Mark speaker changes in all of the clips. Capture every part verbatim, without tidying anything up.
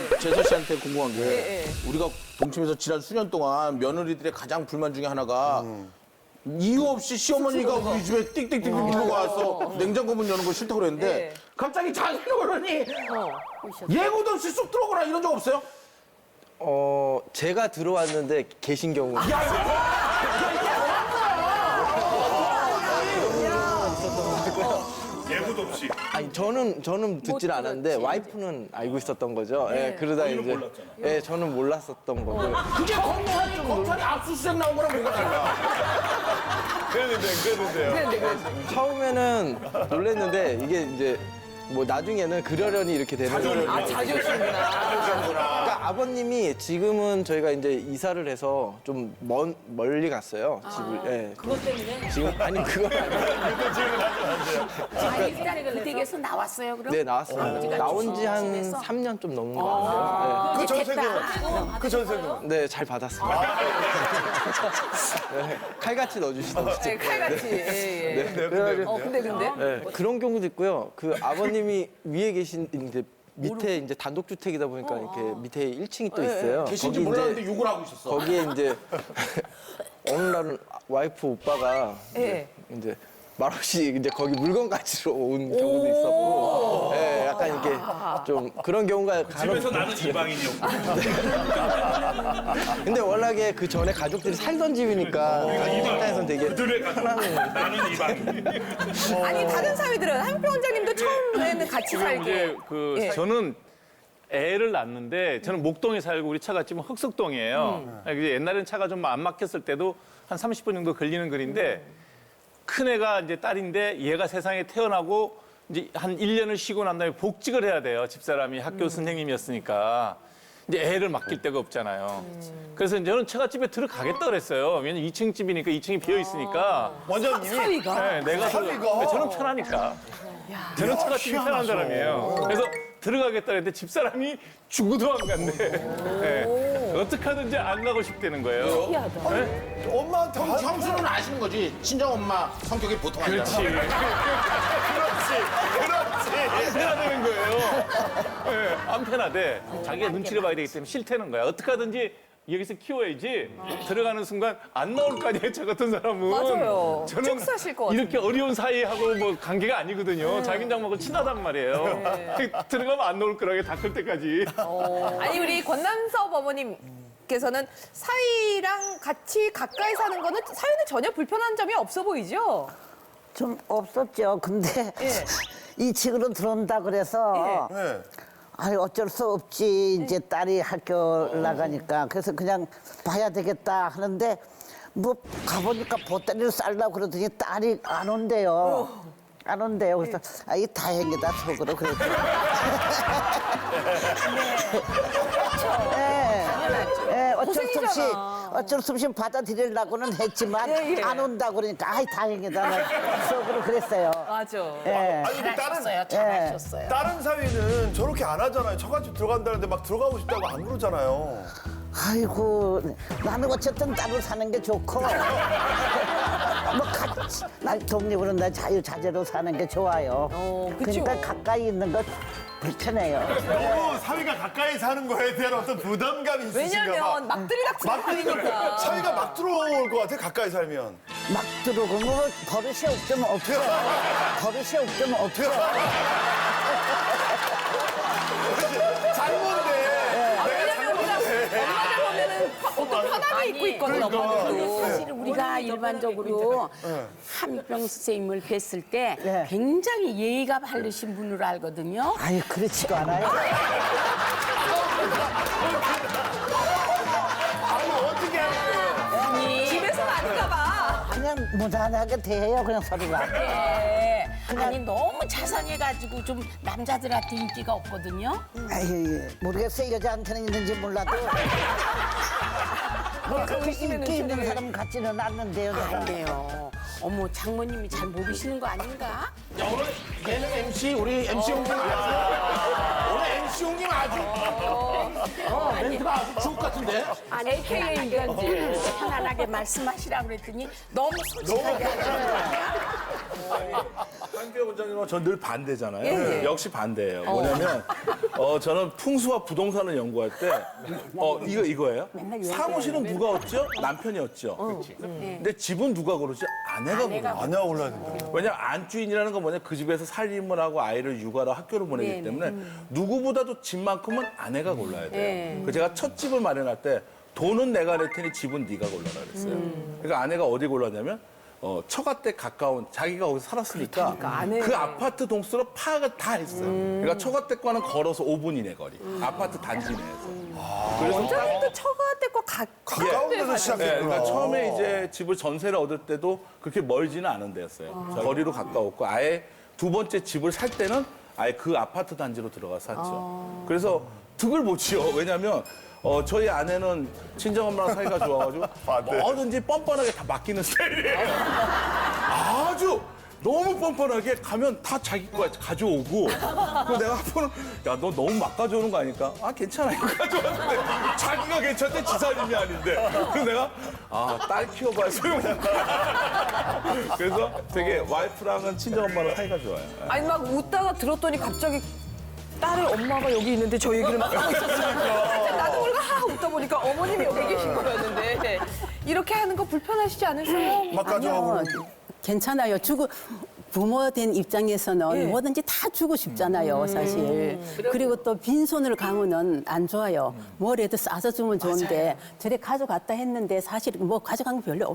Speaker 1: 제서 씨한테 궁금한 게
Speaker 2: 예, 예.
Speaker 1: 우리가 동침에서 지난 수년 동안 며느리들의 가장 불만 중에 하나가 이유 없이 시어머니가 우리 집에 띡띡띡 들고 와서 냉장고 문 여는 거 싫다고 그랬는데
Speaker 2: 예.
Speaker 1: 갑자기 자기가 그러니 예고도 없이 쑥 들어오거나 이런 적 없어요?
Speaker 3: 어, 제가 들어왔는데 계신 경우.
Speaker 4: 예고도 없이.
Speaker 3: 아니, 저는, 저는 듣질 않았는데 와이프는 알고 있었던 거죠. 예, 그러다 이제.
Speaker 4: 몰랐잖아.
Speaker 3: 예, 저는 몰랐었던 거고.
Speaker 1: 그게 검찰, 검찰이 압수수색 나온 거랑 뭐가 달라?
Speaker 4: 그랬는데, 그랬는데요.
Speaker 2: 그런데 그런데.
Speaker 3: 처음에는 놀랐는데 이게 이제 뭐 나중에는 그러려니 이렇게 되는 거예요.
Speaker 2: 아 자주 오시는구나.
Speaker 3: 그러니까 아버님이 지금은 저희가 이제 이사를 해서 좀 먼, 멀리 갔어요. 집을. 예.
Speaker 5: 그것 때문에
Speaker 3: 지금 아니 그건 아니고.
Speaker 5: 자기 그 댁에서 나왔어요 그럼?
Speaker 3: 네, 나왔어요. 나온 지 한
Speaker 5: 집에서?
Speaker 3: 삼 년 좀 넘은 것 같아요.
Speaker 4: 그
Speaker 5: 이제
Speaker 4: 전세금.
Speaker 5: 됐다.
Speaker 4: 그 전세금.
Speaker 3: 네, 네, 잘 받았습니다. 네, 칼같이 넣어주시던데.
Speaker 2: 네, 칼같이. 예, 예.
Speaker 3: 네, 그래가지고
Speaker 2: 어 근데 근데.
Speaker 3: 네, 그런 경우도 있고요. 그 아버님이 위에 계신 이제 밑에 이제 단독주택이다 보니까 이렇게 밑에 일 층이 또 있어요.
Speaker 1: 계신지
Speaker 3: 거기
Speaker 1: 몰랐는데
Speaker 3: 이제
Speaker 1: 욕을 하고 있었어.
Speaker 3: 거기에 이제 어느 날은 와이프 오빠가
Speaker 2: 예.
Speaker 3: 이제 말없이 이제 거기 물건 가지러 온 경우도 있었고, 예, 약간 이렇게 좀 그런 경우가 간혹
Speaker 4: 집에서 나는 이방인이었고.
Speaker 3: 근데 워낙에 그 전에 가족들이 살던 집이니까 우리 입장에서는 되게
Speaker 4: 그들의 가족. 나는 이방인.
Speaker 2: 아니 다른 사위들은 한표 원장님도 처음에는 같이 살고.
Speaker 6: 이제 그
Speaker 2: 예.
Speaker 6: 저는 애를 낳는데 저는 목동에 살고 우리 차가 지금 흑석동이에요. 이제 옛날에는 차가 좀 안 막혔을 때도 한 삼십 분 정도 걸리는 거리인데 큰 애가 이제 딸인데 얘가 세상에 태어나고 이제 한 일 년을 쉬고 난 다음에 복직을 해야 돼요. 집사람이 학교 선생님이었으니까. 이제 애를 맡길 데가 없잖아요. 그래서 저는 처갓집에 들어가겠다 그랬어요. 왜냐면 이 층 집이니까 이 층이 비어 있으니까.
Speaker 4: 원장님이.
Speaker 2: 사위가.
Speaker 6: 네, 내가
Speaker 4: 사위가?
Speaker 6: 저는 편하니까. 저는 처갓집이 편한 사람이에요. 그래서 들어가겠다 했는데 집사람이 죽어도 안 간대. 네. 어떻게 하든지 안 가고 싶다는 거예요. 네?
Speaker 4: 엄마한테
Speaker 1: 형,
Speaker 4: 화-
Speaker 1: 형수는 아시는 거지. 친정 엄마 성격이 보통 아니야.
Speaker 6: 그렇지. 안 편하다는 거예요. 네, 안 편하대. 자기가 눈치를 봐야 되기 때문에 싫다는 거야. 어떻게 하든지 여기서 키워야지 들어가는 순간 안 나올 거 아니에요. 저 같은 사람은.
Speaker 2: 맞아요.
Speaker 6: 저는
Speaker 2: 쭉 사실 것 같은데.
Speaker 6: 이렇게 어려운 사이하고 뭐 관계가 아니거든요. 자긴장하고 친하단 말이에요. 들어가면 안 나올 거라고 다 클 때까지.
Speaker 2: 아니 우리 권남섭 어머님께서는 사위랑 같이 가까이 사는 거는 사위는 전혀 불편한 점이 없어 보이죠?
Speaker 7: 좀 없었죠. 근데
Speaker 2: 예.
Speaker 7: 이 층으로 들어온다 그래서
Speaker 4: 네.
Speaker 7: 아니 어쩔 수 없지. 이제 딸이 학교 나가니까 그래서 그냥 봐야 되겠다 하는데 뭐 가보니까 보따리를 쌀라고 그러더니 딸이 안 온대요. 안 온대요. 그래서 아, 이 다행이다 속으로 그랬죠. 네. 네, 어쩔 수 없이 어쩔 수 없이 받아들이려고는 했지만
Speaker 2: 예, 예.
Speaker 7: 안 온다 그러니까 아이 다행이다 나 속으로 그랬어요.
Speaker 2: 맞아.
Speaker 7: 예.
Speaker 4: 아니, 근데 다른,
Speaker 5: 잘하셨어요. 잘하셨어요.
Speaker 4: 다른 사위는 저렇게 안 하잖아요. 처갓집 들어간다는데 막 들어가고 싶다고 안 그러잖아요.
Speaker 7: 아이고 나는 어쨌든 따로 사는 게 좋고 뭐 같이 난 독립으로 나 자유자재로 사는 게 좋아요.
Speaker 2: 어, 그쵸.
Speaker 7: 그러니까 가까이 있는 거 불편해요.
Speaker 4: 너무 사위가 가까이 사는 거에 대한 어떤 부담감이 있으신가 봐.
Speaker 2: 왜냐면 막 들이닥치는
Speaker 4: 막 들이니까
Speaker 2: 사위니까.
Speaker 4: 사위가 막 들어올 것 같아, 가까이 살면.
Speaker 7: 막 들어오고 뭐 버릇이 없으면 없어. 버릇이 없으면 없어.
Speaker 4: 잘못돼.
Speaker 2: 왜냐면 우리가 엄마들 보면은 어떤 편하게 입고 있거든
Speaker 4: 그러니까.
Speaker 2: 엄마들도.
Speaker 5: 사실 우리가 일반적으로 함익병 선생님을 뵀을 때
Speaker 7: 네.
Speaker 5: 굉장히 예의가 바르신 분으로 알거든요.
Speaker 7: 아유 그렇지도 않아요.
Speaker 4: 어떻게 하는 거예요?
Speaker 2: 집에서는 아닌가 봐.
Speaker 7: 그냥 무난하게 대해요 그냥 서로가.
Speaker 5: 네. 아니 너무 자상해가지고 좀 남자들한테 인기가 없거든요.
Speaker 7: 아유 모르겠어요 여자한테는 있는지 몰라도. 뭐 그렇게 인기 있는 사람 같지는 않는데요. 내가.
Speaker 5: 아니에요. 어머 장모님이 잘 모르시는 거 아닌가?
Speaker 1: 야, 오늘 얘는 엠씨, 우리 엠씨 형님 아주. 오늘 엠씨 형님 아주. 어, 멘트가 아주 주옥 같은데?
Speaker 5: 아니 에이케이가 이제 편안하게 말씀하시라고 그랬더니 너무 솔직하게 하시는 거 아니야?
Speaker 8: 한규 원장님은 전 늘 반대잖아요.
Speaker 2: 예, 예.
Speaker 8: 역시 반대예요. 뭐냐면 어, 저는 풍수와 부동산을 연구할 때 어, 이거 이거예요. 사무실은 누가 얻죠? 남편이 얻죠. 근데 집은 누가 고르죠? 아내가 고르죠.
Speaker 4: 아내가 골라야 된다.
Speaker 8: 왜냐면 안주인이라는 건 뭐냐 그 집에서 살림을 하고 아이를 육아로 학교를 보내기 때문에 누구보다도 집만큼은 아내가 골라야 돼요. 그 제가 첫 집을 마련할 때 돈은 내가 낼 테니 집은 네가 골라라 그랬어요. 그러니까 아내가 어디 골랐냐면 어, 처가댁 가까운 자기가 거기서 살았으니까 그 아파트 동수로 파악을 다 했어요. 그러니까 처가댁과는 걸어서 오 분 이내 거리. 아파트 단지 내에서. 그래서
Speaker 2: 원장님도 처가댁과
Speaker 4: 가까운
Speaker 2: 가깝게
Speaker 4: 데서
Speaker 2: 사셨어요.
Speaker 4: 시작했구나.
Speaker 8: 네, 그러니까 처음에 이제 집을 전세를 얻을 때도 그렇게 멀지는 않은 데였어요. 거리로 가까웠고 아예 두 번째 집을 살 때는 아예 그 아파트 단지로 들어가 샀죠. 그래서 득을 못 치요. 왜냐하면 어, 저희 아내는 친정엄마랑 사이가 좋아가지고 뭐든지 뻔뻔하게 다 맡기는 스타일이에요. 아주 너무 뻔뻔하게 가면 다 자기 거 가져오고 그래서 내가 한 번은 야 너 너무 막 가져오는 거 아니까 아 괜찮아 이거 가져왔는데 자기가 괜찮대 지사님이 아닌데 그래서 내가 아 딸 키워봐야 소용없다 그래서 되게 와이프랑은 친정엄마랑 사이가 좋아요.
Speaker 2: 아니 막 웃다가 들었더니 갑자기 딸의 엄마가 여기 있는데 저 얘기를 막 하고 있었어요. 나도 모르게 하하 웃다 보니까 어머님이 여기 계신 거였는데 이렇게 하는 거 불편하시지 않으세요?
Speaker 4: 막 가져가고.
Speaker 9: 아니요, 괜찮아요. 주고 부모 된 입장에서는
Speaker 2: 예.
Speaker 9: 뭐든지 다 주고 싶잖아요, 사실. 그리고 또 빈손을 가면은 안 좋아요. 뭐라도 싸서 주면 좋은데 저래 가져갔다 했는데 사실 뭐 가져간 거 별로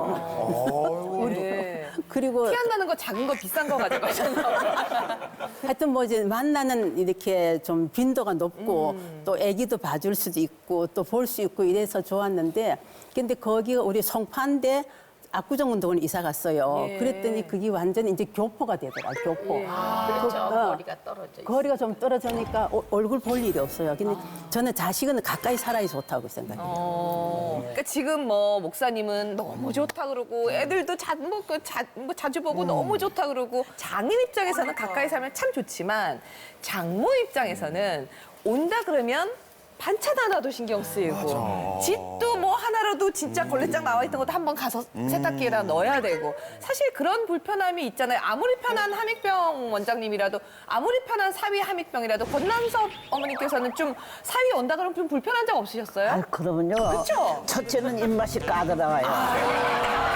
Speaker 9: 없어요.
Speaker 2: 네.
Speaker 9: 그리고
Speaker 2: 티 안 나는 거 작은 거 비싼 거 가져가셨나 봐요.
Speaker 9: 하여튼 뭐 이제 만나는 이렇게 좀 빈도가 높고 또 애기도 봐줄 수도 있고 또 볼 수 있고 이래서 좋았는데 근데 거기가 우리 송파인데 압구정 운동을 이사 갔어요.
Speaker 2: 예.
Speaker 9: 그랬더니 그게 완전히 이제 교포가 되더라, 교포.
Speaker 5: 그렇죠.
Speaker 9: 어,
Speaker 5: 거리가 떨어져 있어요.
Speaker 9: 거리가 좀 떨어지니까 오- 얼굴 볼 일이 없어요. 근데 저는 자식은 가까이 살아야 좋다고 생각해요.
Speaker 2: 어, 그러니까 지금 뭐 목사님은 너무 좋다 그러고 애들도 자, 뭐, 그 자, 뭐 자주 보고 너무 좋다 그러고 장인 입장에서는 가까이 살면 참 좋지만 장모 입장에서는 온다 그러면 반찬 하나도 신경 쓰이고 집도 뭐 하나라도 진짜 걸레장 나와 있던 것도 한번 가서 세탁기에다 넣어야 되고 사실 그런 불편함이 있잖아요. 아무리 편한 함익병 원장님이라도 아무리 편한 사위 함익병이라도 권남섭 어머니께서는 좀 사위 온다 그러면 좀 불편한 적 없으셨어요?
Speaker 7: 아, 그러면요.
Speaker 2: 그쵸?
Speaker 7: 첫째는 입맛이 까다로워요.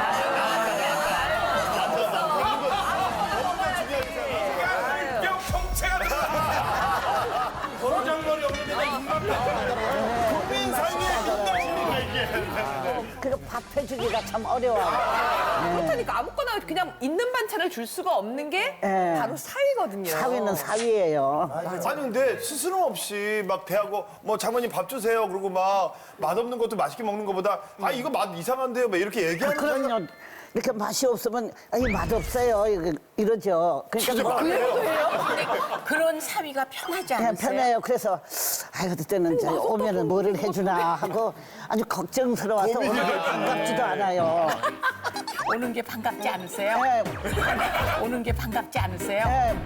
Speaker 4: 버장머리 없는 데가 입맛 국민 사이에 민낯입니까 이게.
Speaker 7: 그리고 밥 해주기가 참 어려워요.
Speaker 2: 그렇다니까 아무거나 그냥 있는 반찬을 줄 수가 없는 게
Speaker 7: 네.
Speaker 2: 바로 사위거든요.
Speaker 7: 사위는 사위예요.
Speaker 4: 아니 근데 스스럼 없이 막 대하고 뭐 장모님 밥 주세요 그러고 막 맛없는 것도 맛있게 먹는 것보다 아 이거 맛 이상한데요 막 이렇게
Speaker 7: 아,
Speaker 4: 얘기하는 사람이
Speaker 7: 그럼요. 이렇게 맛이 없으면 아니 맛없어요 이거- 이러죠. 그러니까 뭐
Speaker 5: 근데 그런 사위가 편하지
Speaker 7: 그냥
Speaker 5: 않으세요?
Speaker 7: 편해요. 그래서 아이고 그때는 이제 오면은 뭐를 해주나 하고 아주 걱정스러워서 오는 게 반갑지도 않아요.
Speaker 5: 오는 게 반갑지 않으세요?
Speaker 7: 네,
Speaker 5: 오는 게 반갑지 않으세요?
Speaker 7: 네.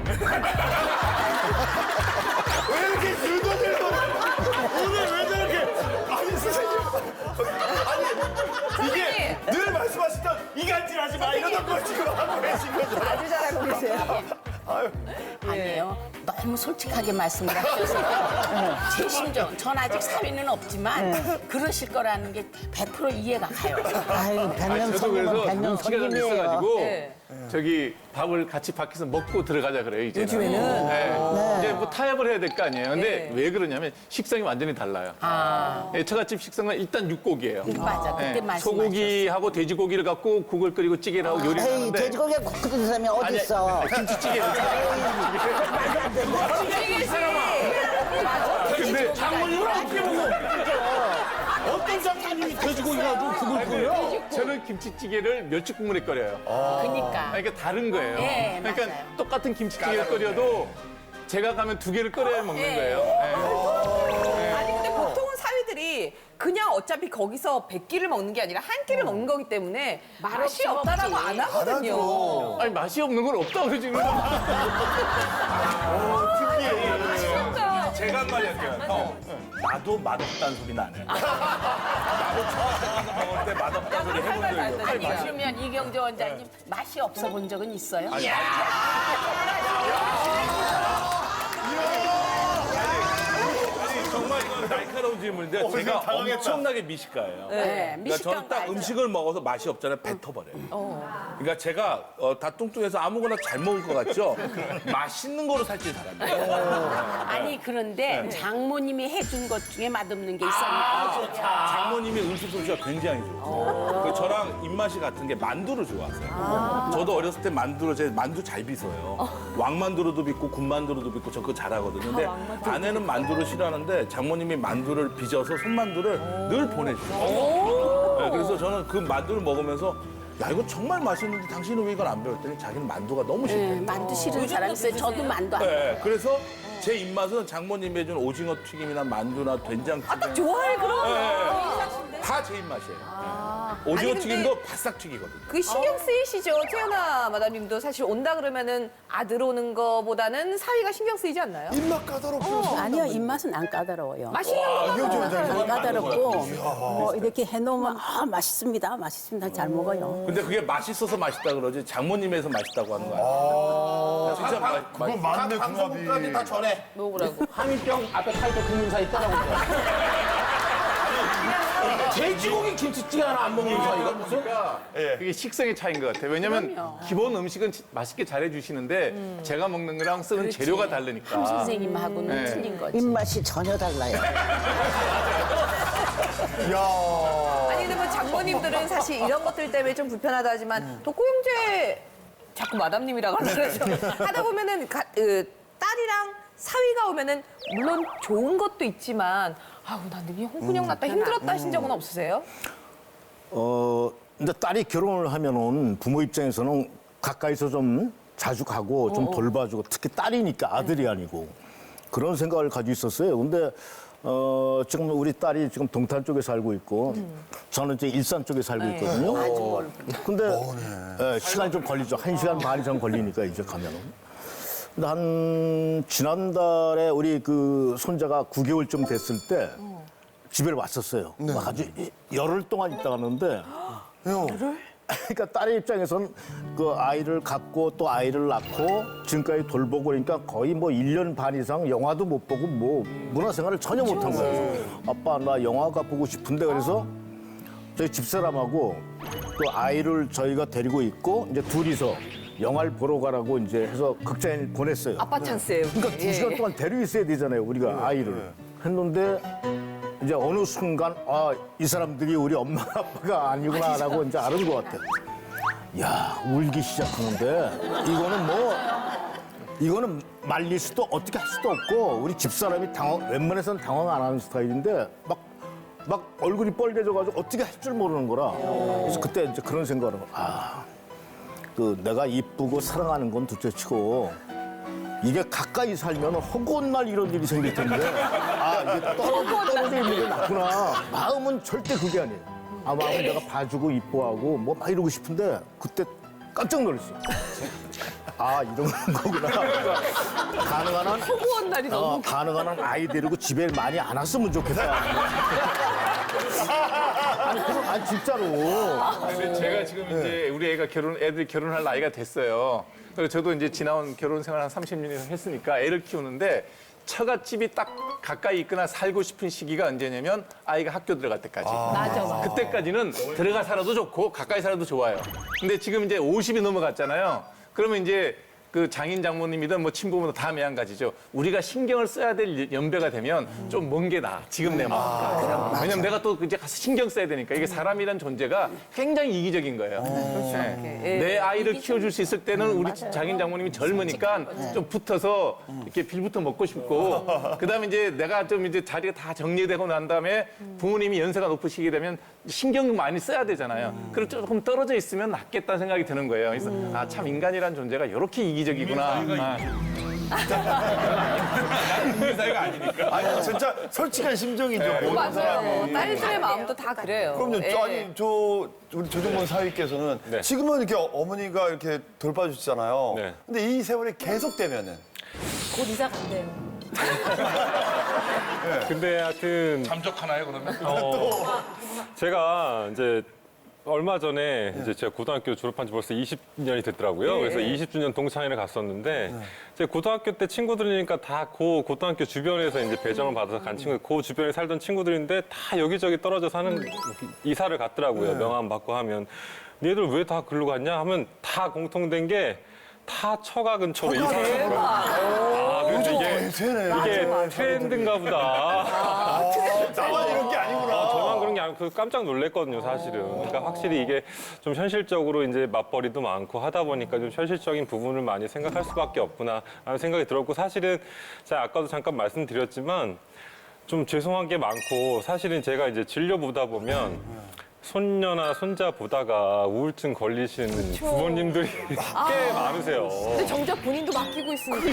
Speaker 4: 왜 이렇게 늙어들고 오늘 왜 저렇게 아니 선생님 아니 이게 늘 말씀하시던 이간질하지 마 이러던 걸 지금 하고 계신 거죠.
Speaker 2: 아주 잘하고 계세요.
Speaker 4: 아유.
Speaker 5: 아니에요. 너무 솔직하게 말씀을 하셔서 제 심정, 전 아직 사위는 없지만 그러실 거라는 게 백 퍼센트 이해가 가요.
Speaker 7: 아유
Speaker 6: 아니,
Speaker 7: 백년
Speaker 6: 저도
Speaker 7: 손님은
Speaker 6: 그래서
Speaker 7: 백년
Speaker 6: 시간이
Speaker 7: 손님이에요.
Speaker 6: 있어가지고
Speaker 2: 네.
Speaker 6: 저기 밥을 같이 밖에서 먹고 들어가자 그래요 이제는.
Speaker 2: 요즘에는?
Speaker 6: 네. 이제 뭐 타협을 해야 될 거 아니에요. 근데
Speaker 2: 네.
Speaker 6: 왜 그러냐면 식성이 완전히 달라요. 예, 처갓집 식성은 일단 육고기예요.
Speaker 5: 맞아, 그때
Speaker 6: 예,
Speaker 5: 말씀하셨어요.
Speaker 6: 소고기하고 돼지고기를 갖고 국을 끓이고 찌개를 하고 요리를
Speaker 7: 에이
Speaker 6: 하는데
Speaker 7: 돼지고기에 국 끓이는 사람이 어디 있어?
Speaker 6: 김치찌개를 근데
Speaker 1: 장모님은 어떻게 먹어? 어떤 장모님이 돼지고기 가지고 그걸 끓여?
Speaker 6: 저는 김치찌개를 멸치국물에 끓여요.
Speaker 5: 그러니까.
Speaker 6: 그러니까 다른 거예요.
Speaker 5: 네,
Speaker 6: 그러니까
Speaker 5: 맞아요.
Speaker 6: 똑같은 김치찌개를 끓여도 제가 가면 두 개를 끓여야 먹는
Speaker 2: 네.
Speaker 6: 거예요. 네.
Speaker 2: 아니 근데 보통은 사위들이 그냥 어차피 거기서 백 끼를 먹는 게 아니라 한 끼를 먹는 거기 때문에 맛이
Speaker 5: 없어
Speaker 2: 없다라고
Speaker 5: 먹지.
Speaker 2: 안 하거든요.
Speaker 6: 아니 맛이 없는 건 없다고 그러지는
Speaker 2: 진짜.
Speaker 8: 제가 한 마디 할게요. 형. 나도 맛없다는 소리는 안 해. 나도 처음 먹을 때 맛없다는 소리 해본 적이 없어.
Speaker 5: 아니 그러면 이경재 원장님 맛이 없어 본 적은 있어요?
Speaker 8: 아니, 정말 이건 날카로운 질문인데
Speaker 4: 어,
Speaker 8: 제가
Speaker 4: 이거 당황했다.
Speaker 8: 엄청나게 미식가예요.
Speaker 5: 네,
Speaker 8: 그러니까
Speaker 5: 미식가인
Speaker 8: 저는
Speaker 5: 거
Speaker 8: 딱
Speaker 5: 알죠?
Speaker 8: 음식을 먹어서 맛이 없잖아요. 뱉어버려요. 그러니까 제가 어, 다 뚱뚱해서 아무거나 잘 먹을 것 같죠? 맛있는 거로 살찐 사람이에요.
Speaker 5: 아니 그런데 장모님이 해준 것 중에 맛없는 게 있었나요?
Speaker 8: 장모님이 음식 솜씨가 굉장히 좋으세요. 그래서 저랑 입맛이 같은 게 만두를 좋아하세요. 저도 어렸을 때 만두를 제 만두 잘 빚어요. 왕만두로도 빚고 군만두로도 빚고 저 그거 잘하거든요. 근데 아내는 만두를 싫어하는데 장모님이 만두를 빚어서 손만두를 늘 보내주세요. 네, 그래서 저는 그 만두를 먹으면서 야 이거 정말 맛있는데 당신은 왜 이걸 안 배웠더니 자기는 만두가 너무 싫대.
Speaker 5: 네, 만두 싫은 사람 있어요. 저도 만두 안
Speaker 8: 네, 그래서 제 입맛은 장모님이 해준 오징어 튀김이나 만두나 된장찌개
Speaker 2: 딱 좋아해 그럼.
Speaker 8: 다 제 입맛이에요. 오징어
Speaker 2: 아니, 근데-
Speaker 8: 튀김도 바싹 튀기거든요.
Speaker 2: 그 신경 쓰이시죠? 태연아 마담님도 사실 온다 그러면은 아들 오는 거보다는 사위가 신경 쓰이지 않나요?
Speaker 4: 입맛 까다롭고.
Speaker 9: 아니요, 입맛은 안 까다로워요.
Speaker 2: 맛있는 거
Speaker 4: 이경재 원장님.
Speaker 9: 안 까다롭고 뭐 이렇게 해놓으면 아 맛있습니다, 맛있습니다, 잘 먹어요.
Speaker 8: 근데 그게 맛있어서 맛있다 그러지 장모님에서 맛있다고 하는 거 아니에요? 진짜 맛
Speaker 4: 그건 맞네, 궁합이.
Speaker 1: 방송국까지 다 전해.
Speaker 2: 먹으라고.
Speaker 3: 한일병 앞에 타이터 국민사 있더라고요.
Speaker 1: 돼지고기 김치찌개 하나 안 먹는 사이가 무슨?
Speaker 6: 그게 식성의 차이인 것 같아요. 왜냐면 기본 음식은 지- 맛있게 잘해주시는데 제가 먹는 거랑 쓰는 재료가 다르니까.
Speaker 5: 선생님하고는
Speaker 6: 네.
Speaker 5: 틀린 거지.
Speaker 7: 입맛이 전혀 달라요.
Speaker 4: 야.
Speaker 2: 아니 근데 뭐 장모님들은 사실 이런 것들 때문에 좀 불편하다 하지만 덕구 형제 자꾸 마담님이라고 그러죠. 하다 보면은 가- 으, 딸이랑 사위가 오면은 물론 좋은 것도 있지만 아우 난 되게 홍군형 났다 힘들었다 하신 적은 없으세요?
Speaker 10: 어, 근데 딸이 결혼을 하면은 부모 입장에서는 가까이서 좀 자주 가고 좀 돌봐주고 특히 딸이니까 아들이 아니고 그런 생각을 가지고 있었어요. 근데 어, 지금 우리 딸이 지금 동탄 쪽에 살고 있고 저는 이제 일산 쪽에 살고 있거든요. 근데 예, 시간이 좀 걸리죠. 한 시간 반 이상 걸리니까 이제 가면은. 근데 한 지난달에 우리 그 손자가 구 개월쯤 됐을 때 집에 왔었어요. 아주 열흘 동안 있다 갔는데 그러니까 딸의 입장에서는 그 아이를 갖고 또 아이를 낳고 지금까지 돌보고 그러니까 거의 뭐 일 년 반 이상 영화도 못 보고 뭐 문화생활을 전혀 못 한 거예요. 아빠 나 영화가 보고 싶은데 그래서 저희 집사람하고 또 아이를 저희가 데리고 있고 이제 둘이서 영화를 보러 가라고 이제 해서 극장에 보냈어요.
Speaker 2: 아빠 찬스예요.
Speaker 10: 그러니까 두 시간 동안 데리고 있어야 되잖아요, 우리가 아이를. 했는데 이제 어느 순간 아, 이 사람들이 우리 엄마 아빠가 아니구나라고 이제 알은 것 같아요. 야, 울기 시작하는데 이거는 뭐 이거는 말릴 수도 어떻게 할 수도 없고 우리 집사람이 당황 웬만해서는 당황 안 하는 스타일인데 막 막 얼굴이 빨개져가지고 어떻게 할 줄 모르는 거라. 그래서 그때 이제 그런 생각을 하고 아, 그 내가 이쁘고 사랑하는 건 둘째치고 이게 가까이 살면 허구한 날 이런 일이 생길 텐데 아 이게 떨어져, 떨어져 있는 게 낫구나. 마음은 절대 그게 아니에요. 아 마음은 내가 봐주고 이뻐하고 뭐 막 이러고 싶은데 그때 깜짝 놀랐어요. 아 이런 거구나. 그러니까 가능한 한
Speaker 2: 허구한 날이 너무
Speaker 10: 어, 가능한 한 아이 데리고 집에 많이 안 왔으면 좋겠다. 아니, 그럼, 아니 진짜로.
Speaker 6: 근데 제가 지금 이제 우리 애가 결혼, 애들이 결혼할 나이가 됐어요. 그래서 저도 이제 지나온 결혼 생활 한 삼십 년 이상 했으니까 애를 키우는데 처갓집이 딱 가까이 있거나 살고 싶은 시기가 언제냐면 아이가 학교 들어갈 때까지.
Speaker 2: 맞아, 맞아.
Speaker 6: 그때까지는 들어가 살아도 좋고 가까이 살아도 좋아요. 근데 지금 이제 오십이 넘어갔잖아요. 그러면 이제 그 장인 장모님이든 뭐 친부모든 다 매한가지죠. 우리가 신경을 써야 될 연배가 되면 좀 먼 게 나아. 지금 내 마음보다. 왜냐면 내가 또 이제 가서 신경 써야 되니까 이게 사람이란 존재가 굉장히 이기적인 거예요. 네. 내 아이를 키워줄 수 있을 때는 우리 장인 장모님이 젊으니까 좀 붙어서 이렇게 빌부터 먹고 싶고 그다음에 이제 내가 좀 이제 자리가 다 정리되고 난 다음에 부모님이 연세가 높으시게 되면 신경 많이 써야 되잖아요. 그리고 조금 떨어져 있으면 낫겠다는 생각이 드는 거예요. 그래서 아, 참 인간이란 존재가 이렇게 이기적이구나. 아.
Speaker 4: 아니 진짜 솔직한 심정이죠. 모든
Speaker 2: 맞아요.
Speaker 4: 사람이.
Speaker 2: 딸들의 마음도 다 그래요.
Speaker 4: 그럼요.
Speaker 2: 예.
Speaker 4: 아니 저 우리 조정문 사위께서는
Speaker 6: 네.
Speaker 4: 지금은 이렇게 어머니가 이렇게 돌봐주시잖아요.
Speaker 6: 네.
Speaker 4: 근데 이 세월이 계속되면은
Speaker 5: 곧 이사 간대요.
Speaker 11: 근데 하여튼
Speaker 8: 잠적하나요 그러면?
Speaker 11: 어, 제가 이제 얼마 전에 이제 제가 고등학교 졸업한 지 벌써 이십 년이 됐더라고요. 그래서 이십 주년 동창회를 갔었는데 제 고등학교 때 친구들이니까 다 그 고등학교 주변에서 이제 배정을 받아서 간 친구, 그 주변에 살던 친구들인데 다 여기저기 떨어져 사는 이사를 갔더라고요. 명함 받고 하면. 얘들 왜 다 글로 갔냐 하면 다 공통된 게 다 처가 근처로 이사를 가더라고요. 아, 그래서 이게, 이게 트렌드인가 보다.
Speaker 4: 나만 이런 게 아니구나.
Speaker 11: 아, 저만 그런 게 아니고 깜짝 놀랐거든요, 사실은. 그러니까 확실히 이게 좀 현실적으로 이제 맞벌이도 많고 하다 보니까 좀 현실적인 부분을 많이 생각할 수밖에 없구나 하는 생각이 들었고 사실은 제가 아까도 잠깐 말씀드렸지만 좀 죄송한 게 많고 사실은 제가 이제 진료보다 보면 손녀나 손자 보다가 우울증 걸리시는 부모님들이 꽤 많으세요.
Speaker 2: 근데 정작 본인도 맡기고 있으니까.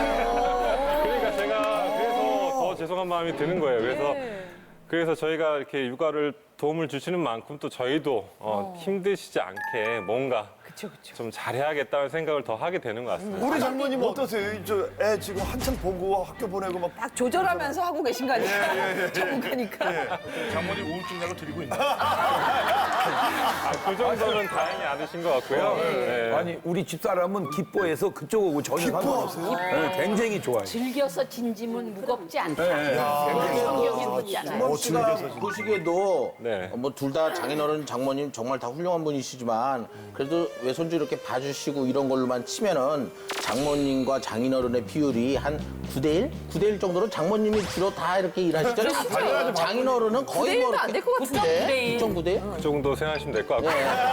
Speaker 11: 그러니까 제가 그래서 더 죄송한 마음이 드는 거예요. 그래서
Speaker 2: 네.
Speaker 11: 그래서 저희가 이렇게 육아를 도움을 주시는 만큼 또 저희도 어, 힘드시지 않게 뭔가
Speaker 2: 그쵸, 그쵸.
Speaker 11: 좀 잘해야겠다는 생각을 더 하게 되는 것 같습니다.
Speaker 4: 우리 장모님 어떠세요? 저 애 지금 한참 보고 학교 보내고 막
Speaker 2: 딱 조절하면서 하고 계신 거 아니에요? 전문가니까.
Speaker 8: 장모님 우울증 약을 드리고 있나요?
Speaker 11: 아, 그 정도는 다행히 않으신 것 같고요. 네.
Speaker 12: 아니 우리 집사람은 기뻐해서 그쪽 오고 전혀 상관없어요. 네, 굉장히 좋아요.
Speaker 5: 즐겨서 진지면 무겁지 않다.
Speaker 12: 네.
Speaker 5: 성경에 묻잖아요.
Speaker 1: 수만 씨가 보시기에도
Speaker 11: 네.
Speaker 1: 뭐 둘 다 장인어른, 장모님 정말 다 훌륭한 분이시지만 그래도 외손주 이렇게 봐주시고 이런 걸로만 치면은 장모님과 장인어른의 비율이 한 구 대 일? 구 대 일 정도로 장모님이 주로 다 이렇게 일하시잖아요. 장인어른은 거의 뭐
Speaker 2: 구 대 일도 안될것 같은데?
Speaker 1: 구 대 점 구 대?
Speaker 11: 그 정도 생각하시면 될 것 같고요.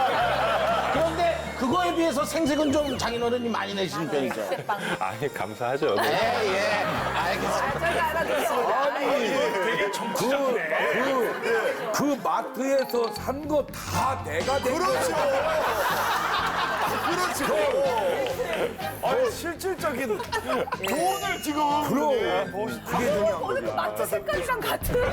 Speaker 1: 그런데 그거에 비해서 생색은 좀 장인어른이 많이 내시는 편이죠.
Speaker 11: 아니, 감사하죠. 네.
Speaker 1: 예, 예. 알겠습니다.
Speaker 2: 저희가 알아듣습니다.
Speaker 8: 되게 정치적이네.
Speaker 12: 그, 그 마트에서 산 거 다 내가 된
Speaker 4: 그렇죠. 그렇죠. 아니 실질적인 돈을 지금
Speaker 12: 그럼 그게 중요한 거지.
Speaker 2: 오늘 그 마트 색깔이랑 같은.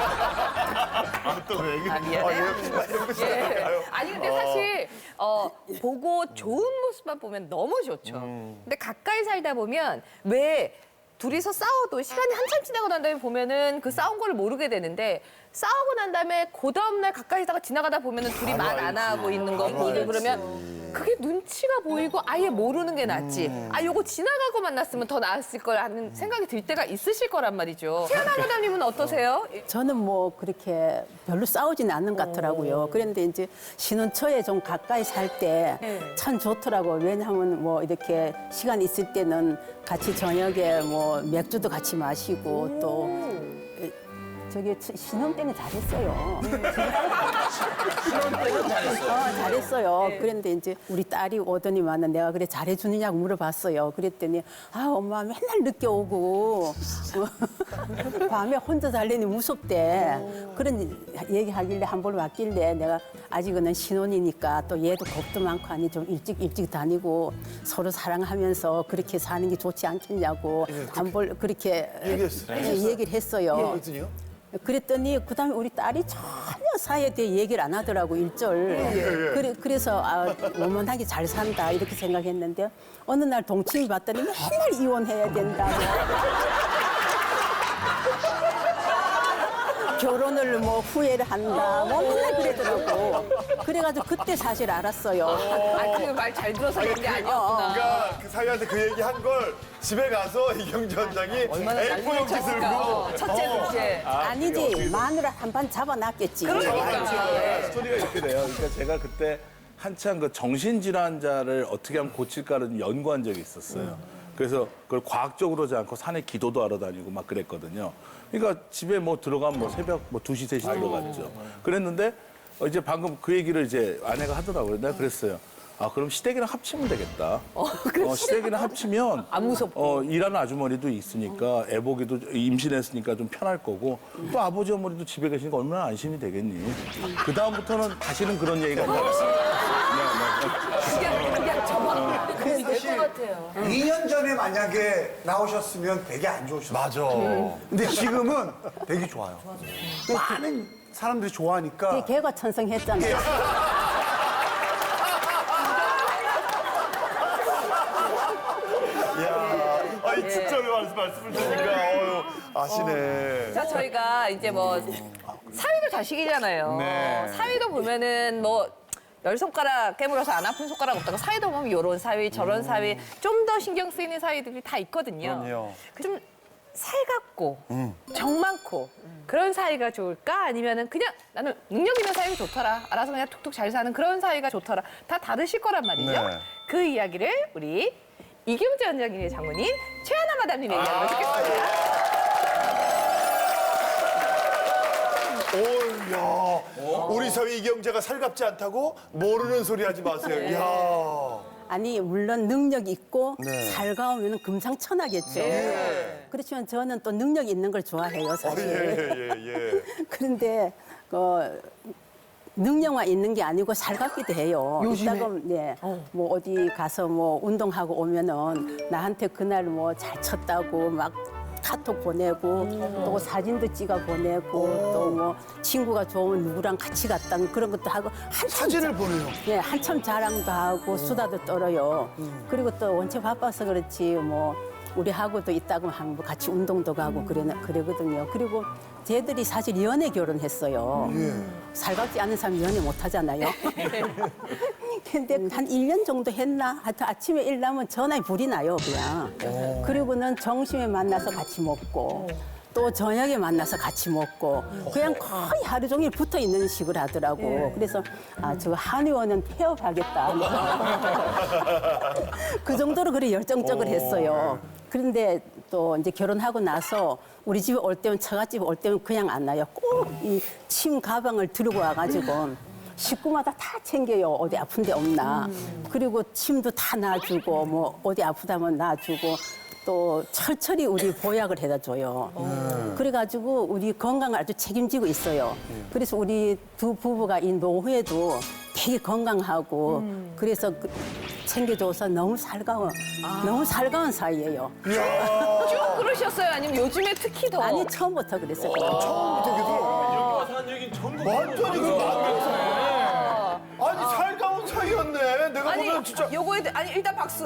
Speaker 4: 또왜 얘기?
Speaker 2: 아, 미안해요. 예. 아니 근데 사실 어, 보고 좋은 모습만 보면 너무 좋죠. 근데 가까이 살다 보면 왜 둘이서 싸워도 시간이 한참 지나고 난 다음에 보면은 그 싸운 걸 모르게 되는데 싸우고 난 다음에 그 다음날 가까이 있다가 지나가다 보면은 둘이 말 안 하고 있는 거 보고 그러면 그게 눈치가 보이고 아예 모르는 게 낫지. 아, 요거 지나가고 만났으면 더 나았을 걸 하는 생각이 들 때가 있으실 거란 말이죠. 태연아 회장님은 어떠세요?
Speaker 9: 저는 뭐 그렇게 별로 싸우지는 않는 것 같더라고요. 그런데 이제 신혼 초에 좀 가까이 살 때 참 좋더라고요. 왜냐하면 뭐 이렇게 시간 있을 때는 같이 저녁에 뭐 맥주도 같이 마시고 또 저기 신혼 때는 잘했어요.
Speaker 1: 신혼 때는 잘했어요.
Speaker 9: 어, 잘했어요. 그런데 이제 우리 딸이 오더니만은 내가 그래 잘해주느냐고 물어봤어요. 그랬더니 아 엄마 맨날 늦게 오고 밤에 혼자 잘래니 무섭대. 그런 얘기하길래 한 번 왔길래 내가 아직은 신혼이니까 또 얘도 겁도 많고 하니 좀 일찍 일찍 다니고 서로 사랑하면서 그렇게 사는 게 좋지 않겠냐고 한 번 그렇게
Speaker 4: 얘기했어요.
Speaker 9: 예, 얘기를 했어요.
Speaker 4: 그랬더니요?
Speaker 9: 그랬더니 그다음에 우리 딸이 전혀 사회에 대해 얘기를 안 하더라고 일절. 그래, 그래서 아, 원만하게 잘 산다 이렇게 생각했는데 어느 날 동침이 봤더니 맨날 이혼해야 된다고. 결혼을 뭐 후회를 한다. 뭐 맨날 그러더라고. 그래가지고 그때 사실 알았어요.
Speaker 2: 아, 그 말 잘 들어서 그런 게 아니었구나.
Speaker 4: 그러니까 그 사위한테 그 얘기 한 걸 집에 가서 이경주 원장이 에이포 용지 들고
Speaker 2: 어, 첫째, 둘째.
Speaker 9: 아니지 마누라 한 반 잡아놨겠지.
Speaker 8: 스토리가 이렇게 돼요. 그러니까 제가 그때 한창 그 정신질환자를 어떻게 하면 고칠까를 연구한 적이 있었어요. 그래서 그걸 과학적으로 하지 않고 산에 기도도 하러 다니고 막 그랬거든요. 그러니까 집에 뭐 들어가면 뭐 새벽 뭐 두 시, 세 시 들어갔죠. 그랬는데 어, 이제 방금 그 얘기를 이제 아내가 하더라고요. 내가 그랬어요. 아, 그럼 시댁이랑 합치면 되겠다. 어, 시댁이랑 합치면
Speaker 2: 안 무섭고.
Speaker 8: 어, 일하는 아주머니도 있으니까 애 보기도 임신했으니까 좀 편할 거고 또 아버지 어머니도 집에 계시니까 얼마나 안심이 되겠니. 그 다음부터는 다시는 그런 얘기가 안 나왔어요.
Speaker 2: 그냥, 그냥 접어. 그래서 될것 같아요.
Speaker 13: 이 년 전에 만약에 나오셨으면 되게 안 좋으셨어요.
Speaker 4: 맞아.
Speaker 13: 근데 지금은 되게 좋아요. 많은 사람들이 좋아하니까.
Speaker 9: 걔가 천성했잖아요.
Speaker 4: 야, 아니 진짜로 말씀 말씀을 드리니까 아시네.
Speaker 2: 자, 저희가 이제 뭐 사위도 자식이잖아요.
Speaker 4: 네.
Speaker 2: 사위도 보면은 뭐 열 손가락 깨물어서 안 아픈 손가락 없다고 사위도 보면 요런 사위, 저런 사위 좀 더 신경 쓰이는 사위들이 다 있거든요.
Speaker 4: 그럼요.
Speaker 2: 좀 살갑고 정 많고 그런 사이가 좋을까? 아니면은 그냥 나는 능력 있는 사이가 좋더라. 알아서 그냥 툭툭 잘 사는 그런 사이가 좋더라. 다 다르실 거란 말이죠.
Speaker 4: 네.
Speaker 2: 그 이야기를 우리 이경재 원장님의 장모님 최하나 마담님 얘기하도록 듣겠습니다.
Speaker 4: 오, 야. 우리 사위 이경재가 살갑지 않다고 모르는 소리 하지 마세요. 이야.
Speaker 9: 아니 물론 능력 있고
Speaker 4: 네.
Speaker 9: 살가우면 금상첨화겠죠.
Speaker 4: 네.
Speaker 9: 그렇지만 저는 또 능력 있는 걸 좋아해요,
Speaker 4: 아,
Speaker 9: 사실.
Speaker 4: 예, 예, 예.
Speaker 9: 그런데 그 능력만 있는 게 아니고 살갑기도 해요.
Speaker 2: 요즘에?
Speaker 9: 이따가 네, 뭐 어디 가서 뭐 운동하고 오면은 나한테 그날 뭐 잘 쳤다고 막 카톡 보내고 또 사진도 찍어 보내고 또 뭐 친구가 좋으면 누구랑 같이 갔다는 그런 것도 하고 한참
Speaker 4: 사진을
Speaker 9: 자-
Speaker 4: 보내요?
Speaker 9: 네, 한참 자랑도 하고 수다도 떨어요. 그리고 또 원체 바빠서 그렇지 뭐 우리하고도 있다고 하면 뭐 같이 운동도 가고 그래, 그러거든요. 그리고 쟤들이 사실 연애 결혼했어요. 살갑지 않은 사람 연애 못 하잖아요. 근데 한 일 년 정도 했나? 하여튼 아침에 일나면 전화에 불이 나요, 그냥. 그리고는 점심에 만나서 같이 먹고 또 저녁에 만나서 같이 먹고 그냥 거의 하루 종일 붙어 있는 식을 하더라고. 그래서 아, 저 한의원은 폐업하겠다. 그 정도로 그래 열정적으로 했어요. 그런데 또 이제 결혼하고 나서 우리 집에 올 때면 처갓집에 올 때면 그냥 안 나요. 꼭 이 침 가방을 들고 와가지고 식구마다 다 챙겨요. 어디 아픈 데 없나. 그리고 침도 다 놔주고 뭐 어디 아프다면 놔주고 또 철철이 우리 보약을 해다 줘요. 그래가지고 우리 건강을 아주 책임지고 있어요. 그래서 우리 두 부부가 이 노후에도 되게 건강하고 그래서 그 챙겨줘서 너무 살가워, 너무 살가운 사이예요.
Speaker 2: 쭉 그러셨어요? 아니면 요즘에 특히 더?
Speaker 9: 아니 처음부터 그랬어요.
Speaker 4: 처음부터 계속.
Speaker 6: 여기 와서 한 얘기는 전부
Speaker 4: 완전히 그 맞네. 아니, 살가운 사이였네. 내가
Speaker 2: 아니,
Speaker 4: 보면 진짜.
Speaker 2: 요거에 대- 아니 일단 박수.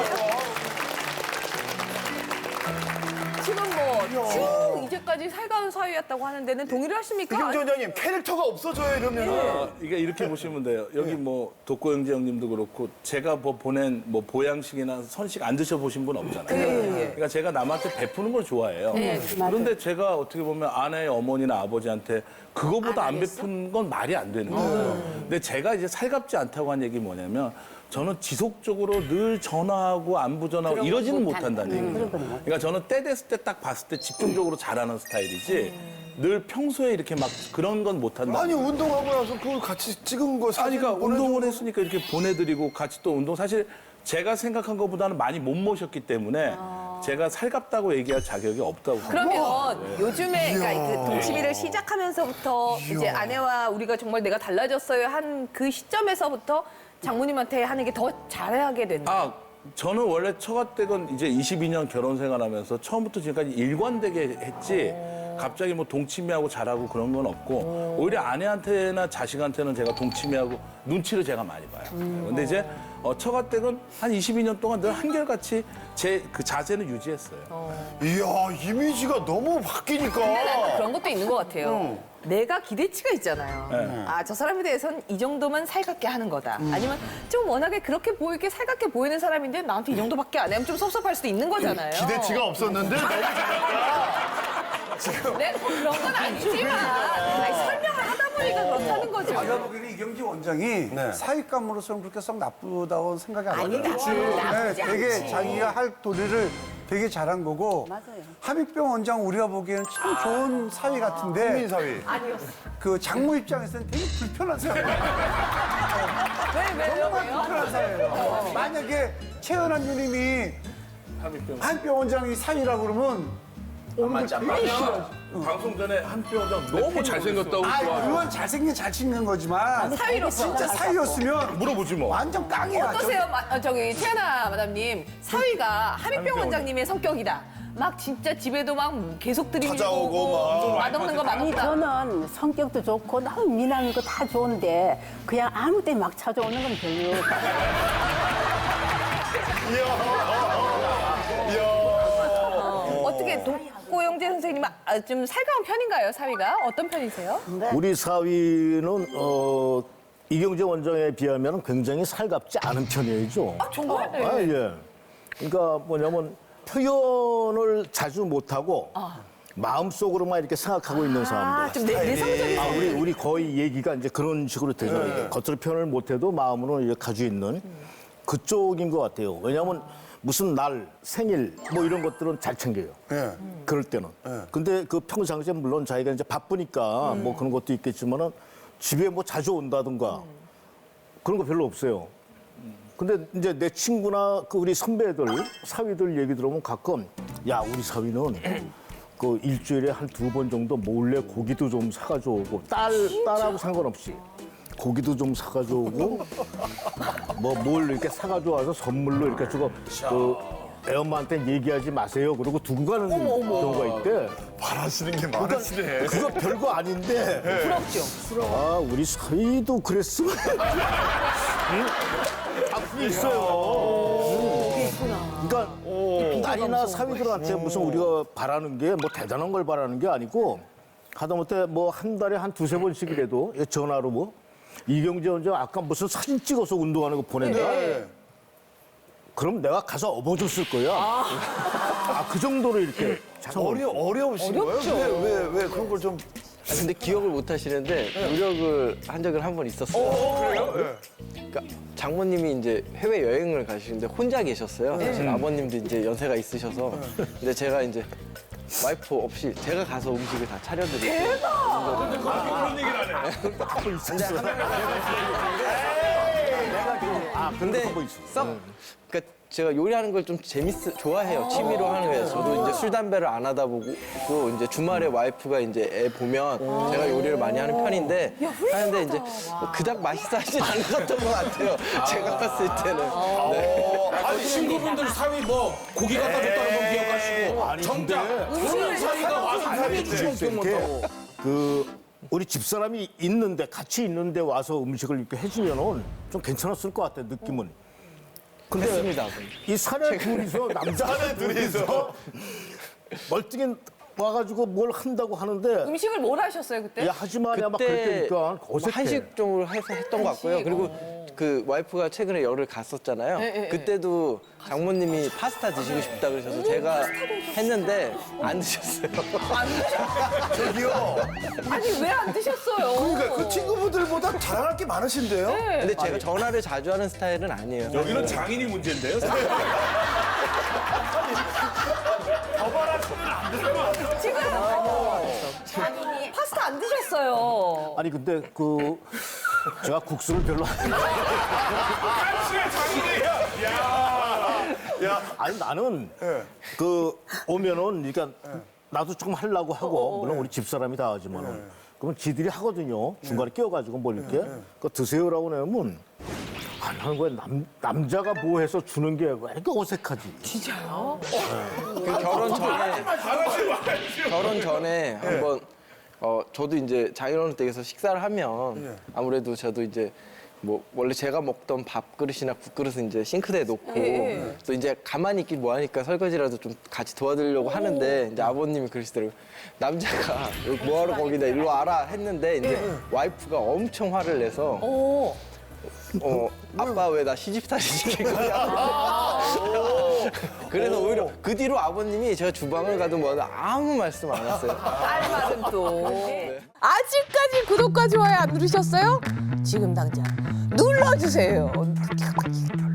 Speaker 2: 지금 뭐 쭉 이제까지 살가운 사이였다고 하는 데는 동의를 하십니까?
Speaker 4: 이경재 원장님, 캐릭터가 없어져요, 이러면.
Speaker 8: 어, 이게 이렇게 보시면 돼요. 여기 뭐 독고영재 형님도 그렇고 제가 뭐 보낸 뭐 보양식이나 선식 안 드셔보신 분 없잖아요. 그러니까 제가 남한테 베푸는 걸 좋아해요. 그런데 제가 어떻게 보면 아내의 어머니나 아버지한테 그거보다 안 베푼 건 말이 안 되는 거예요. 근데 제가 이제 살갑지 않다고 한 얘기 뭐냐면 저는 지속적으로 늘 전화하고 안부 전화하고 이러지는 못한다는 얘기죠. 그러니까 저는 때 됐을 때 딱 봤을 때 집중적으로 잘하는 스타일이지 늘 평소에 이렇게 막 그런 건 못한다.
Speaker 4: 아니, 운동하고 나서 그걸 같이 찍은 거 사진
Speaker 8: 아니, 그러니까
Speaker 4: 보내주고.
Speaker 8: 운동을 했으니까 이렇게 보내드리고 같이 또 운동 사실 제가 생각한 것보다는 많이 못 모셨기 때문에 제가 살갑다고 얘기할 자격이 없다고 생각해요.
Speaker 2: 그러면 요즘에 그러니까 그 동치미를 시작하면서부터 이제 아내와 우리가 정말 내가 달라졌어요 한 그 시점에서부터 장모님한테 하는 게 더 잘하게 됐나?
Speaker 8: 아, 저는 원래 처가댁은 이제 이십이 년 결혼 생활하면서 처음부터 지금까지 일관되게 했지 갑자기 뭐 동치미하고 잘하고 그런 건 없고 오히려 아내한테나 자식한테는 제가 동치미하고 눈치를 제가 많이 봐요. 근데 이제 어, 처가댁은 한 이십이 년 동안 늘 한결같이 제 그 자세는 유지했어요.
Speaker 4: 이야, 이미지가 너무 바뀌니까.
Speaker 2: 근데 난 그런 것도 있는 것 같아요. 내가 기대치가 있잖아요.
Speaker 8: 네.
Speaker 2: 아, 저 사람에 대해서는 이 정도만 살갑게 하는 거다. 아니면 좀 워낙에 그렇게 보이게 살갑게 보이는 사람인데 나한테 이 정도밖에 안 하면 좀 섭섭할 수도 있는 거잖아요.
Speaker 4: 기대치가 없었는데 너무 잘했다.
Speaker 2: 내가 뭐 그런 건 아니지만 아니, 설명을 하다 보니까 그렇다는 거죠.
Speaker 13: 제가 보기에는 이경재 원장이 사익감으로서는 그렇게 썩 나쁘다고 생각이 안
Speaker 5: 아니,
Speaker 13: 들어요.
Speaker 5: 나쁘지
Speaker 13: 네, 되게
Speaker 5: 않지.
Speaker 13: 자기가 할 도리를 되게 잘한 거고.
Speaker 9: 맞아요.
Speaker 13: 함익병 원장 우리가 보기에는 참 좋은 사위 같은데
Speaker 4: 국민 사위.
Speaker 2: 아니었어.
Speaker 13: 그 장모 입장에서는 되게 불편한 사위예요.
Speaker 2: 왜, 왜요?
Speaker 13: 정말
Speaker 2: 왜요?
Speaker 13: 불편한 사위예요. 만약에 최연한 누님이 함익병 원장이 사위라고 그러면 오늘 되게 싫어.
Speaker 8: 방송 전에 한표 원장 너무 잘생겼다고
Speaker 13: 아, 그건 잘생긴 잘생긴 거지만
Speaker 2: 사위로서
Speaker 13: 진짜 사위였으면
Speaker 8: 물어보지 뭐.
Speaker 13: 완전 깡이야.
Speaker 2: 어떠세요? 마, 어, 저기 최하나 마담님 사위가 함익병 원장님의 성격이다. 막 진짜 집에도 막 계속 들이밀고
Speaker 4: 찾아오고 막.
Speaker 2: 맛없는 거
Speaker 9: 아니
Speaker 2: 맛없다.
Speaker 9: 저는 성격도 좋고 너무 미남인 거 다 좋은데 그냥 아무 때 막 찾아오는 건 별로.
Speaker 4: 이야. 이야.
Speaker 2: 어떻게 동, 박고영재 선생님은 아, 좀 살가운 편인가요, 사위가? 어떤 편이세요?
Speaker 10: 우리 사위는 어, 이경재 원장에 비하면 굉장히 살갑지 않은 편이죠.
Speaker 2: 아, 정말? 네.
Speaker 10: 아, 예. 그러니까 뭐냐면 표현을 자주 못하고 마음속으로만 이렇게 생각하고 있는 사람들.
Speaker 2: 아, 좀 내, 내성적인
Speaker 10: 아, 우리, 우리 거의 얘기가 이제 그런 식으로 되죠. 이게 겉으로 표현을 못해도 마음으로 이제 가지고 있는 그쪽인 것 같아요. 왜냐하면 무슨 날, 생일 뭐 이런 것들은 잘 챙겨요.
Speaker 4: 예.
Speaker 10: 그럴 때는. 근데 그 평상시에 물론 자기가 이제 바쁘니까 뭐 그런 것도 있겠지만은 집에 뭐 자주 온다든가 그런 거 별로 없어요. 근데 이제 내 친구나 그 우리 선배들, 사위들 얘기 들어보면 가끔 야, 우리 사위는 그 일주일에 한 두 번 정도 몰래 고기도 좀 사가지고 오고 딸, 딸하고 상관없이 고기도 좀 사가지고 오고 뭐 뭘 이렇게 사가지고 와서 선물로 이렇게 주고 그 애엄마한테 얘기하지 마세요. 그러고 두고 가는 경우가 있대.
Speaker 4: 바라시는 게 많으시네.
Speaker 10: 그거 별거 아닌데.
Speaker 2: 부럽죠.
Speaker 10: 아, 우리 사위도 그랬으면. 응? 앞이 있어요. 그러니까 딸이나 사위들한테 무슨 우리가 바라는 게 뭐 대단한 걸 바라는 게 아니고 하다못해 뭐 한 달에 한 두세 번씩이라도 전화로 뭐 이경재 원장 아까 무슨 사진 찍어서 운동하는 거 보낸다. 그럼 내가 가서 업어줬을 거야. 아, 그 정도로 이렇게.
Speaker 4: 어려, 어려우신 거예요? 왜, 왜, 왜 그런 걸 좀.
Speaker 3: 아, 근데 기억을 못 하시는데 노력을 한 적은 한 번 있었어요.
Speaker 4: 그래요?
Speaker 3: 그러니까 장모님이 이제 해외 여행을 가시는데 혼자 계셨어요. 사실 아버님도 이제 연세가 있으셔서. 근데 제가 이제 와이프 없이 제가 가서 음식을 다 차려드리고. 대박!
Speaker 6: 그런 얘기를 안 해.
Speaker 3: 근데 하나를
Speaker 10: 아,
Speaker 3: 근데 썩 그러니까 제가 요리하는 걸 좀 재밌어 좋아해요. 취미로 하는 거예요. 저도 이제 술 담배를 안 하다 보고 또 이제 주말에 와이프가 이제 애 보면 제가 요리를 많이 하는 편인데 하는데 이제 뭐 그닥 맛있어하진 않았던 것 같아요. 제가 봤을 때는. 네.
Speaker 1: 아니, 친구분들 사위 뭐 고기 갖다 줬다는 건 기억하시고 정작 그런 사위가 와서 해주시면 기억 못하고.
Speaker 10: 그 우리 집사람이 있는데 같이 있는데 와서 음식을 이렇게 해주면은 좀 괜찮았을 것 같아 느낌은. 근데
Speaker 3: 했습니다.
Speaker 10: 이 사내 둘이서 남자 사내 둘이서 멀뚱히 와가지고 뭘 한다고 하는데
Speaker 2: 음식을 뭘 하셨어요, 그때?
Speaker 10: 야 하지 마냐 막
Speaker 3: 그때
Speaker 10: 그랬다니까
Speaker 3: 뭐
Speaker 10: 어색해.
Speaker 3: 한식 쪽으로 해서 했던 것 같고요. 그리고 그 와이프가 최근에 열을 갔었잖아요.
Speaker 2: 네, 네,
Speaker 3: 그때도 장모님이 파스타 드시고 싶다 그러셔서 제가 했는데 안 드셨어요.
Speaker 2: 안 드셨어요?
Speaker 4: 저기요.
Speaker 2: 아니, 왜 안 드셨어요?
Speaker 4: 그러니까 그 친구분들보다 자랑할 게 많으신데요?
Speaker 3: 근데 제가 전화를 자주 하는 스타일은 아니에요.
Speaker 6: 여기는 장인이 문제인데요.
Speaker 4: 더 바라시면 안 되는 거 같아요.
Speaker 2: 지금
Speaker 5: 자기니
Speaker 2: 파스타 안 드셨어요.
Speaker 10: 아니 근데 그 제가 국수를 별로 안
Speaker 4: 장인이야. 야. 야.
Speaker 10: 아니 나는 그 오면은 그러니까 나도 조금 하려고 하고 물론 우리 집사람이 다 하지만은 그러면 지들이 하거든요. 중간에 끼워가지고 뭘 이렇게 그 드세요라고 내면 안 하는 거야. 남 남자가 뭐 해서 주는 게 왜 이렇게 어색하지?
Speaker 2: 진짜요?
Speaker 3: 그 결혼 전에 결혼 전에 한번 어 저도 이제 장인어른 댁에서 식사를 하면 아무래도 저도 이제 뭐 원래 제가 먹던 밥그릇이나 국그릇은 이제 싱크대에 놓고
Speaker 2: 예.
Speaker 3: 또 이제 가만히 있긴 뭐하니까 설거지라도 좀 같이 도와드리려고 하는데 이제 아버님이 그러시더라고요. 남자가 뭐하러 거기다 일로 와라 했는데 이제 와이프가 엄청 화를 내서
Speaker 2: 오.
Speaker 3: 어 아빠 왜 나 시집살이 시킬 거냐. 그래서 오히려 그 뒤로 아버님이 제가 주방을 가든 뭐든 아무 말씀 안 하세요.
Speaker 2: 딸 말은 또.
Speaker 3: 네.
Speaker 2: 아직까지 구독과 좋아요 안 누르셨어요? 지금 당장 눌러주세요.